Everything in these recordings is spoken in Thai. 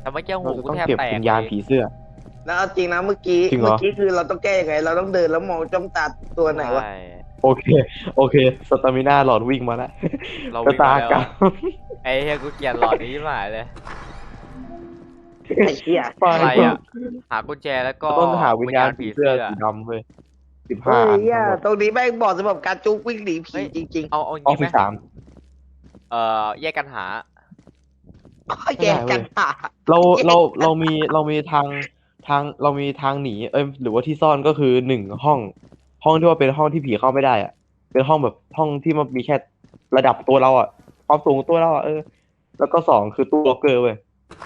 แต่เมื่อกี้หูเราจะกูต้องแทบเก็บแตกวิญญาณเลยผีเสื้อแล้วเอาจริงนะเมื่อกี้จริงเหรอคือเราต้องแก้ยังไง เราต้องเดินแล้วมองจ้องตาตัวไหนวะใช่โอเคโอเคสตามิน่าหลอดวิ่งมาแล้วเรากระวิ่งตามาแล้วกรรมไอ้เหี้ยกูเกลียดหลอดนี้หมายเลยไอ้เหี้ยไปอะไรอ่ะหากุญแจแล้วก็ต้องหาวิญญาณผีเสื้อสีดำเว้ย15 เฮ้ยอันเหี้ยทั้งหมดตรงนี้แม่งบอกสำหรับการจุกวิ่งหนีผีจริงเอาอองี้ฟไหม 13 แยกกันหาๆแยกกันหาเรามีทางเรามีทางหนีหรือว่าที่ซ่อนก็คือ1 ห้องที่ว่าเป็นห้องที่ผีเข้าไม่ได้อ่ะเป็นห้องแบบห้องที่มันมีแค่ระดับตัวเราอ่ะความสูงของตัวเราอ่ะแล้วก็2คือตู้ล็อกเกอร์เว้ย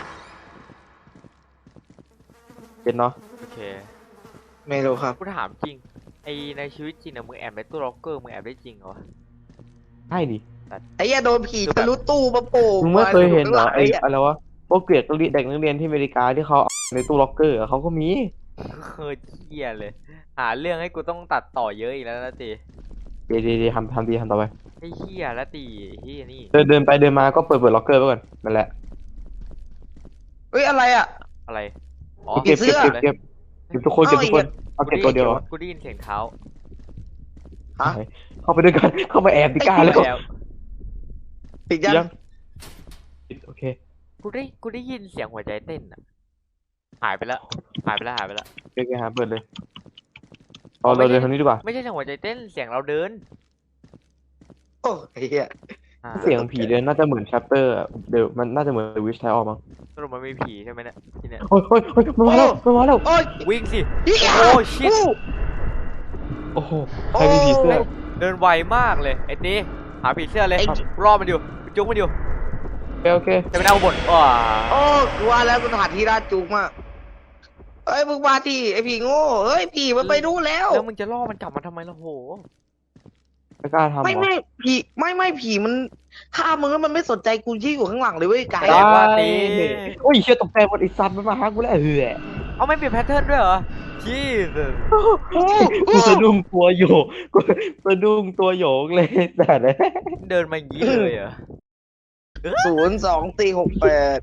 เป็นเนาะโอเคไม่รู้ครับกูถามจริงไอในชีวิตจริงอะมึงแอบในตู้ล็อกเกอร์มึงแอบได้จริงเหรอวะใช่ดิไอ้เหี้ยโดนผีทะลุตู้มาโป่งมึงไม่เคยเห็นเหรอไอ้เหี้ยอะไรวะพวกเด็กนักเรียนที่อเมริกาที่เขาเอาในตู้ล็อกเกอร์อะเขาก็มีเคยเหี้ยเลย หาเรื่องให้กูต้องตัดต่อเยอะอีกแล้วนะตีเดี๋ยวทำดีทำต่อไปไอ้เหี้ยแล้วตีไอ้เหี้ยนี่เดินไปเดินมาก็เปิดล็อกเกอร์ไว้ก่อนนั่นแหละเฮ้ยอะไรอ่ะอะไรอ๋อเก็บผีเสื้อเก็บทุกคนเก็บทุกคนเอาเก็บตัวเดียวอะกูได้ยินเสียงเท้าฮะเข้าไปด้วยกันเข้าไปแอบดิกล้าแล้วแล้วปิดยังยังโอเคกูได้ยินเสียงหัวใจเต้นอะหายไปแล้วหายไปแล้วโอเคหาเปิดเลยเอาเราเดินทางนี้ดีกว่าไม่ใช่เสียงหัวใจเต้นเสียงเราเดินโอ้ไอ้เหี้ยอ่าเสียงผีเดินน่าจะเหมือนแชปเตอร์เดี๋ยวมันน่าจะเหมือนวิชไทออกมั้งสรุปมันมีผีใช่ไหมเนี่ยที่เนี่ยโอ้ยมันมาแล้วโอ้ยวิ่งสิเหี้ยโอ้ชิตโอ้โหใครมีผีเสื้อเดินไวมากเลยไอ้ตีหาผีเสื้อเลยรอมันอยู่จุกมันอยู่โอเคจะไปเอาบทว้าโอ้กูว่าแล้วสถานที่น่าจุกมากเอ้ยมึงมาที่ไอ้ผีโง่เฮ้ยผีมันไปรู้แล้วแล้วมึงจะล่อมันกลับมาทำไมล่ะโหไม่กล้าทำไม่ผีไม่ผีมันฆ่ามึงแล้วมันไม่สนใจกูที่อยู่ข้างหลังเลยเว้ยไกแต่ว่าตีโอ้ยเชี่ยตกใจหมดไอ้สัตว์มันมาหากูแล้วเอาไม่เปลี่ยนแพทเทิร์นด้วยเหรอชีสกูสะดุ้งตัวโยกกูสะดุ้งตัวโยกเลยแต่เนี่ยเดินมาอย่างนี้เลยเหรอ 02468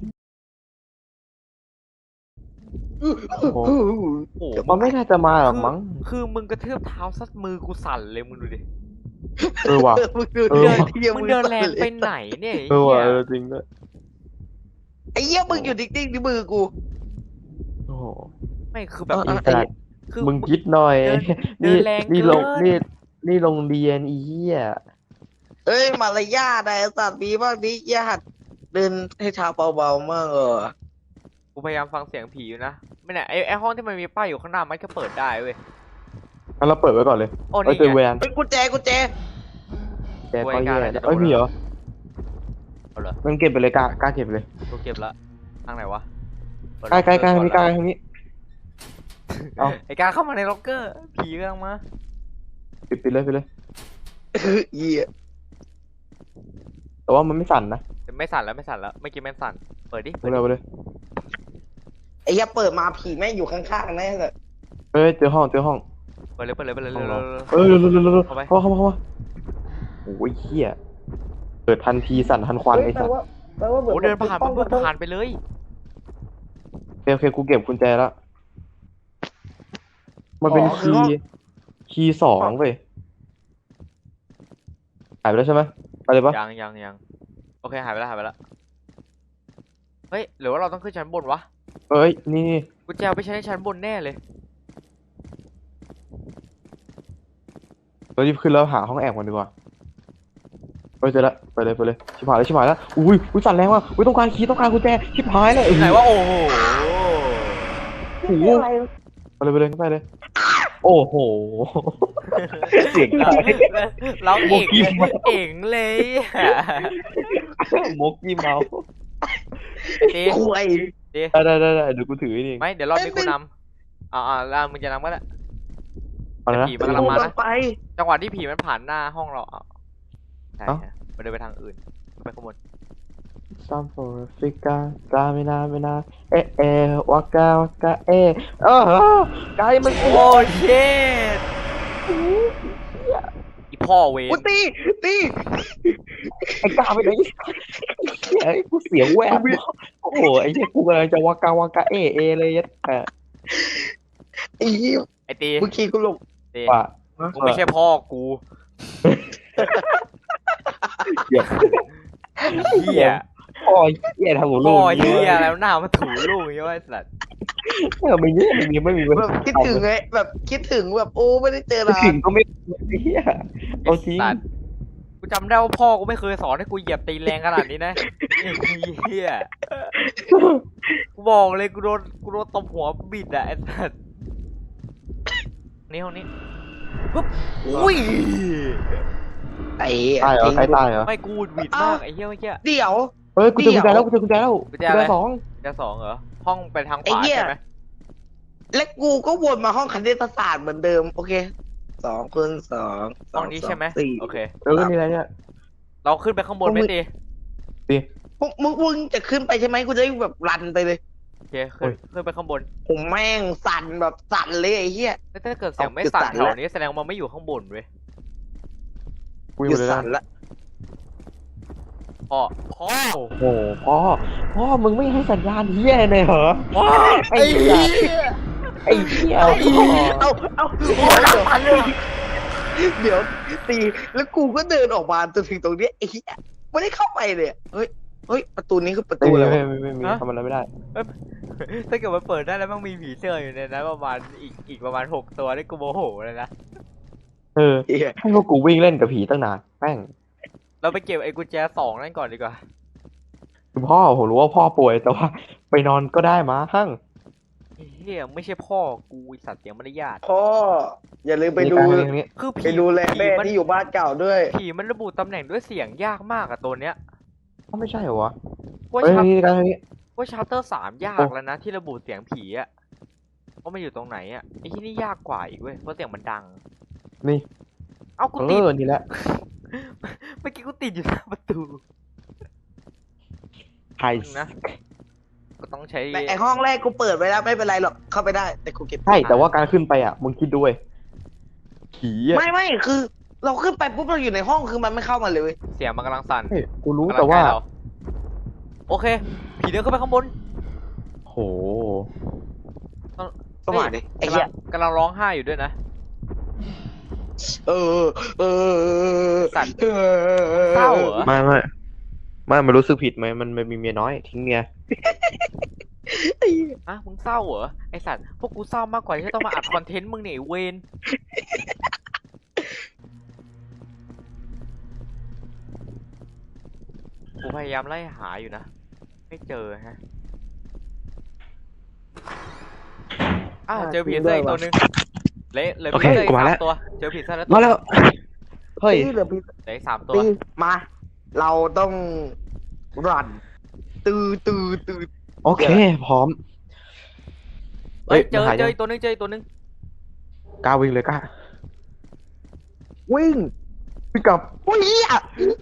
โอ้โหมันไม่น่าจะมาหรอกมั้งคือมึงกระเทือบเท้าซัดมือกูสั่นเลยมึงดูดิว่ะมึงดูเออมึงเดินแรงไปไหนเนี่ยว่ะไอ้จริงด้วยไอ้เหี้ยมึงอยู่นิ่งๆที่มือกูโอ้โหไม่คือแบบเออไอ้สัตว์คือมึงคิดหน่อยเดินแรงนี่เกินลงนี่โรงเรียนอีเหี้ยเอ้ยมารยาทนะไอ้สัตว์มีบ้างนี้ญาติเดินให้เท้าเบาๆมากอกูพยายามฟังเสียงผีอยู่นะไม่เนี่ยไอ้ห้องที่มันมีป้ายอยู่ข้างหน้ามันก็เปิดได้เว้ยงั้นเราเปิดไว้ก่อนเลยโอ้เอ้ยนี่เจอแวไงนเป็นกุญแจแกก็ไว้กลางแย่อะไรจะโดนเอ้ยมีเหรอเอาเหรอมันเก็บไปเลยกล้าเก็บไปเลยกูเก็บละทางไหนวะเปิดใกล้ล็อกเกอร์ทางนี้ก่อนละทางนี้ เอาไอ้การเข้ามาในล็อกเกอร์ผีกำลังมาปิดเลยเหี้ยแต่ว่ามันไม่สั่นนะไม่สั่นแล้วไม่อกี้แม่งสั่นเปิดดิไปเลยไอ้เหี้ยเปิดมาผีแม่งอยู่ข้างๆแน่เลยเอ้ยเจอห้องเปิดเลยห้องเร็วเราเร็วเข้าไปเข้ามาโอ้ยเหี้ยเปิดทันทีสั่นทันควันไอ้สัตว์โอ้เดินผ่านมันเพิ่งผ่านไปเลยโอเคกูเก็บกุญแจแล้วมันเป็นคีย์2เว้ยหายไปแล้วใช่ไหมไปเลยปะยังโอเคหายไปแล้วเฮ้ยหรือว่าเราต้องขึ้นชั้นบนวะเอ้ยนี่กูจะเอาไปใช้ในชั้นบนแน่เลยเรารีบขึ้นแล้วหาห้องแอบกันดีกว่าเฮ้ยเจอแล้วไปเลยชิบหายแล้วอุ้ยสั่นแรงว่ะอุ้ยต้องการคีย์ต้องการกุญแจชิบหายเลยไหนว่าโอ้โหโอ้โหไปเลยโอ้โหเสียงดังเราเองเลยมกยี่เมาตีคุยได้เดี๋ยวกูถือนี่ไม่เดี๋ยวรอบนี้กูนำแล้วมึงจะนำก็ได้เอาละผีมันกำลังมานะไปจังหวะที่ผีมันผ่านหน้าห้องเราใช่เอ้ามันเดินไปทางอื่นไปข้างบนซัมโฟฟิกากาไม่นาเอวากาไกลมันโอ้เชิตอีพ่อเวรกูตีไอ้กล้าไปไหนไอ้กูเสียงแวบโอ้โหไอ้เหี้ยกูกำลังจะวากาเอเลยอ่ะไอ้เหี้ยไอตีเมื่อกี้กูหลงตีว่ากูไม่ใช่พ่อกูเดี๋ยวเหี้ยพ่อเหี้ยทำหัวลูพ่กอเหี้ยแล้วหน้ามาถูลูกอย่างเงี้ยไอ้สัตว์ไม่เงี้ยไม่มีแบบคิดถึงไงแบบคิดถึงแบบโอ้ไม่ได้เจอไม่นานถึงก็ไม่เหี้ยเอาจริงสัตว์กูจำได้ว่าพ่อกูไม่เคยสอนให้กูเหยียบตีนแรงขนาดนี้นะไอ้เหี้ยกูบอกเลยกูโดนตบหัวบิดอะไอ้สัตว์นี่ห้องนี้ปุ๊บอุ้ยไอ้ตายเหรอใครตายเหรอไม่กูบิดมากไอ้เหี้ยเมื่อกี้เดี๋ยวเฮ้ยกูเจอกุญแจแล้วกูเจอกุญแจแล้วกุญแจอะไรสองจะสองเหรอห้องไปทางขไอ้วาเหี้ยใช่ไหมและกูก็วนมาห้องคณิตศาสตร์เหมือนเดิมโอเค2 คูณ 2 ห้องนี้ใช่ไหม 4 โอเคนี่อะไรเนี่ยเราขึ้นไปข้างบนไหมตีมึงจะขึ้นไปใช่ไหมกูจะได้แบบรันไปเลยโอเคขึ้นไปข้างบนผมแม่งสั่นแบบสั่นเลยไอ้เหี้ยแล้วถ้าเกิดเสียงไม่สั่นแถวนี้แสดงว่ามันไม่อยู่ข้างบนเว้ยกูอหยุยู่ดเลยสั่นนะละพ่อโอ้โหพ่อมึงไม่ให้สัญญาณเหี้ยเลยเหรอพ่อไอ้เหี้ยไอ้เหี้ยเอาเดี๋ยวตีแล้วกูก็เดินออกมาจนถึงตรงนี้ไอ้เหี้ยไม่ได้เข้าไปเลยเฮ้ยประตูนี้คือประตูอะไรวะไม่มีทำอะไรไม่ได้ถ้าเกิดมันเปิดได้แล้วมันมีผีเสื้ออยู่ในนั้นประมาณอีกประมาณ6 ตัวนี่กูโมโหเลยนะเออเหี้ยให้พวกกูวิ่งเล่นกับผีตั้งนานแม่งเราไปเก็บไอ้กุญแจ2นั่นก่อนดีกว่าคือพ่อผมรู้ว่าพ่อป่วยแต่ว่าไปนอนก็ได้มาหั่งเฮียไม่ใช่พ่อกูไอ้สัตว์เสียงมารยาทพ่ออย่าลืมไปดูนี้คือไปผีดูแลแม่มันที่อยู่บ้านเก่าด้วยผีมันระบุตำแหน่งด้วยเสียงยากมากอะตัวเนี้ยก็ไม่ใช่เหรอวะว่าเฮ้ยชัปนี่การนี้ว่าชัปเตอร์3ยากแล้วนะที่ระบุเสียงผีอะว่ามันอยู่ตรงไหนอะไอ้ที่นี่ยากกว่าอีกเว้ยเพราะเสียงมันดังนี่เอ้ากูติดนี่แหละเมื่อกี้กูติดอยู่หน้าประตูไทยนะ ก็ต้องใช้แต่ไอห้องแรกกูเปิดไว้แล้วไม่เป็นไรหรอกเข้าไปได้ แต่กูเก็บใช่แต่ว่าการขึ้นไปอ่ะมึงคิดด้วยผีอ่ะไม่คือ เราขึ้นไปปุ๊บเราอยู่ในห้องคือมันไม่เข้ามาเลยเว้ยเสียงมันกำลังสั่นเฮ้ยกูรู้กำลังแต่ว่าใกล้เรโอเค ผีเดินขึ้นไปข้างบนโหก็มาดิไอ้เหี้ยกำลังร้องไห้อยู่ด้วยนะเออสัตว์ เศร้าเหรอไม่รู้สึกผิดไหมมันมีเมียน้อยทิ้งเมียอ่ะมึงเศร้าเหรอไอสัตว์พวกกูเศร้ามากกว่าที่จะต้องมาอัดคอนเทนต์มึงเนี่ยไอ้เวนกูพยายามไล่หาอยู่นะไม่เจอฮะเจอผีเสื้ออีกตัวนึงเละเลยผีเสื้ออีก3 ตัวเจอผีเสื้อแล้วมาแล้วเฮ้ยตีเหลือพี่เหลืออีก3 ตัวตีมา เราต้องรันตือโอเคพร้อมเฮ้ยเจอมันหายังอีกตัวนึงกล้าวิ่งเลยกล้าวิ่งวิ่งกลับวิ่งอ่ะ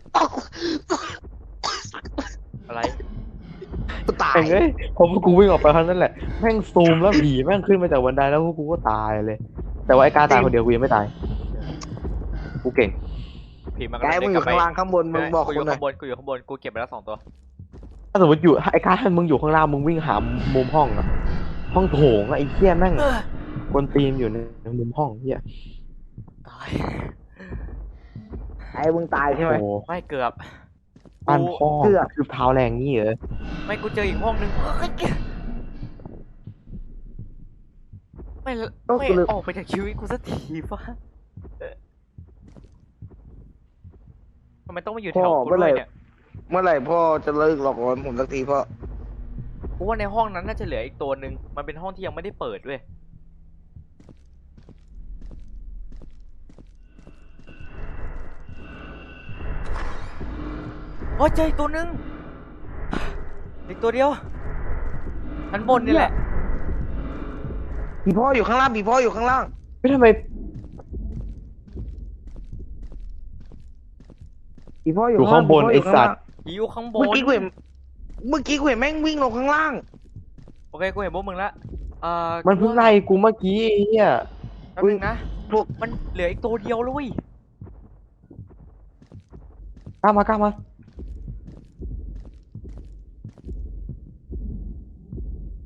อะไรกูตายเอ้ยพอพวกกูวิ่งออกไปเท่านั้นแหละแม่งซูมแล้วผีแม่งขึ้นมาจากบันไดแล้วพวกกูก็ตายเลย แต่ว่าไอ้กล้าตายคนเดียวกูยังไม่ตายกูเก่งผีมันแกกำลังมึเดิงนอกลับยู่ไปข้างล่างข้างบนมึงบอกกูอกูยู่หน่อข้าย งบนกูเก็บไปแล้ว2 ตัวถ้าสมมติอยู่ไอ้กล้ามึงอยู่ข้างล่างมึงวิ่งหามุมห้องอะห้องโถงอะไอ้เหี้ยแม่งกวนตีนอยู่ในมุมห้องเหี้ยตายไอ้มึงตายใช่ไหมโอ้ไม่เกือบบ้านพ่อเกือบคือเท้าแรงงี้เหรอไม่กูเจออีกห้องนึงไม่ออกไปจากชีวิตกูสักทีวะทำไมต้องมาอยู่แถวกูด้วยเนี่ยเมื่อไหร่พ่อจะเลิกหลอกหลอนผมสักทีพ่อกูว่าในห้องนั้นน่าจะเหลืออีกตัวนึงมันเป็นห้องที่ยังไม่ได้เปิดเว้ยโอ้ยเจออีกตัวนึงอีกตัวเดียวชั้นบนนี่แหละผีพ่ออยู่ข้างล่างผีพ่ออยู่ข้างล่างไม่ทำไมผีพ่อออยู่ ยู่ข้างบนไอ้สัตว์ผีอยู่ข้างบเมื่อน กี้กูเห็นแม่งวิ่งลงข้างล่างโอเคกูเห็นพวกมึงละมันเพิ่งไล่กูเมื่อกี้ไอ้เหี้ยแป๊บนึงนะพวกมันเหลืออีกตัวเดียวเลยกล้ามา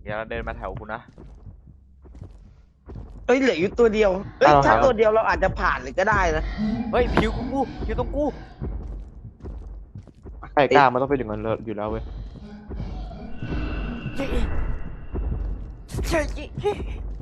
อย่าเดินมาแถวกูนะเอ้ยเหลืออยู่ตัวเดียวเอ้ยเอาถ้าครับตัวเดียวเราอาจจะผ่านเลยก็ได้นะเฮ้ยผิวกูผิวตรงกูไก่กล้ามันต้องเป็นอย่างนั้นเลยอยู่แล้วเว้ยเย้เย้เย้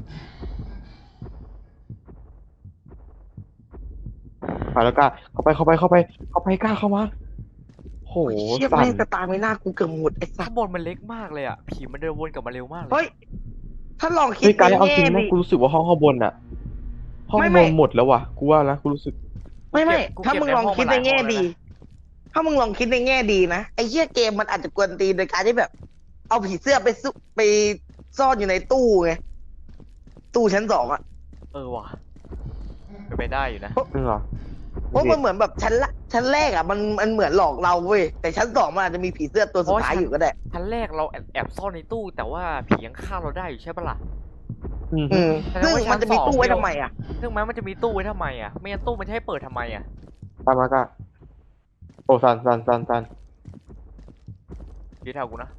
ไปแล้วกล้าเข้าไปกล้าเข้ามาโหโอ้ยเชี่ยสั่แม่นงสตาร์ไม่น่ากูเกือบหมดไอ้สัข้าสงบนมันเล็กมากเลยอ่ะผีมันเดินวนกลับมาเร็วมากเลยเฮ้ยถ้าลองคิดเฮ้ยการในเอาแง่จริงนะดีกูรู้สึกว่าห้องข้างบนอะห้องไม่นไม่อนหมดแล้วว่ะกูว่านะกูรู้สึกไม่ถ้ามึงลองคิดในแง่ดี ถ้ามึงลองคิดในแง่ดีนะไอ้เหี้ยเกมมันอาจจะกวนตีนโดยการที่แบบ เอาผีเสื้อไปซ่อนอยู่ในตู้ไงตู้ชั้น2อ่ะเออว่ะเป็นไปได้อยู่นะจริงเหรอเพราะมันเหมือนแบบชั้นแรกอ่ะมันเหมือนหลอกเราเว้ยแต่ชั้น2มันอาจจะมีผีเสื้อตัวสุดท้ายอยู่ก็ได้ชั้นแรกเราแอบซ่อนในตู้ แต่ว่าผียังฆ่าเราได้อยู่ใช่ปะล่ะอืมอืมแสดงซึ่งว่าชั้นมันจะมีสองตู้ไว้ทำไมอ่ะซึ่งแม้มันจะมีตู้ไว้ทำไมอ่ะ ไม่งั้นตู้มันจะให้เปิดทำไมอ่ะตามมากล้าโอ้สันยืดแถวกูนะ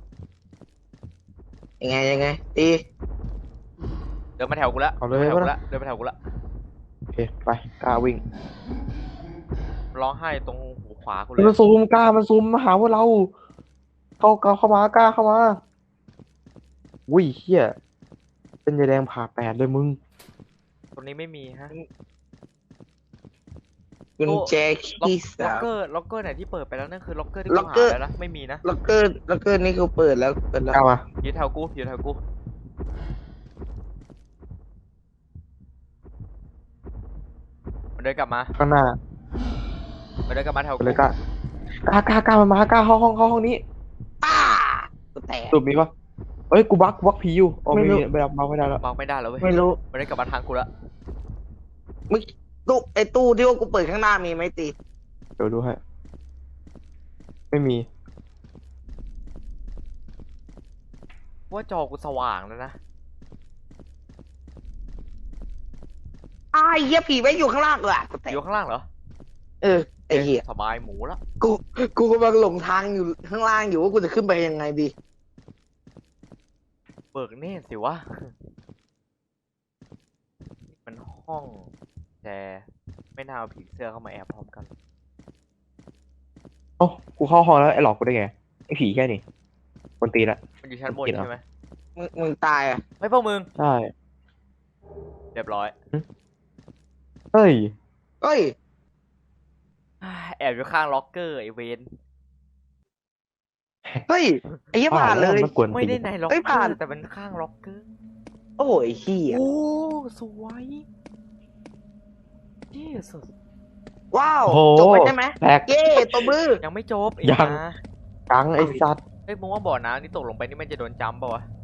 ยังไงตีเดินมาแถวกูละเอาเลยเดินมาแถวกูวะละเดินมาแถวกูละโอเคไปกล้าวิ่งร้องไห้ตรงหูขวากูเลยมันซูมกล้ามันซูมมาหาพวกเราเข้ามากล้าเข้ามาวุ้ยเฮียเป็นยายแดงผ่าแปดเลยมึงตรงนี้ไม่มีฮะกุญแจล็อกคีย์ล็อกสามเกอร์ล็อกเกอร์ไหนที่เปิดไปแล้วนั่นคือล็อกเกอร์ที่ล็กูอกหาเกอร์แล้วนะไม่มีนะล็อกเกอร์นี่คือเปิดแล้วกล้ามายืดแถวกูยืดแถวกูมันเดินกลับมาข้างหน้ามันเดินกลับมาแถวไปกูเลยกล้ามันมากล้าเข้าห้องนี้อ้ากูแตกสุดมีปะเอ้ยกูบักผีอยู่อ๋อไม่ไม่รู้มีไม่รับไม่ได้แล้ววางไม่ได้แล้วเว้ยไม่รู้มันเดินกลับมาทางกูละมึงตู้ที่ว่ากูเปิดข้างหน้ามีไหมตีเดี๋ยวดูให้ไม่มีว่าจอกูสว่างแล้วนะอ้ายเหี้ยผีไว้อยู่ข้างล่างเลยกูแตกอยู่ข้างล่างเหรอเออไอ้เหี้ยสบายหมูละกูกำลังหลงทางอยู่ข้างล่างอยู่ว่ากูจะขึ้นไปยังไงดีเบิกเนตรสิวะมันห้องแต่ไม่น่าเอาผีเสื้อเข้ามาแอบพร้อมกันโอ้กูเข้าห้องแล้วไอ้หลอกกูได้ไงไอ้ผีแค่นี้คนตีละมันอยู่ชั้นบนเกลียดเหรอใช่ไหมมึงตายอ่ะไม่พวกมึงใช่เรียบร้อยเฮ้ยเอ้ยแอบอยู่ข้างล็อกเกอร์ไอเวนเฮ้ยไอ้เหี้ยผ่านเลยมันกวนไม่ตีได้ในล็อกเอ้ยเกอผ่านร์แต่เป็นข้างล็อกเกอร์โอ้ยเหี้ยโอ้สวยเยสุดว้าวโอ้โหจบไปใช่ไหมแตกเย้ตัวมือยังไม่จบอีกยังนะกังไอ้สัตว์เฮ้ยมึงว่าบ่อน้ำที่ตกลงไปนี่มันจะโดนจัมป์ป่าวะ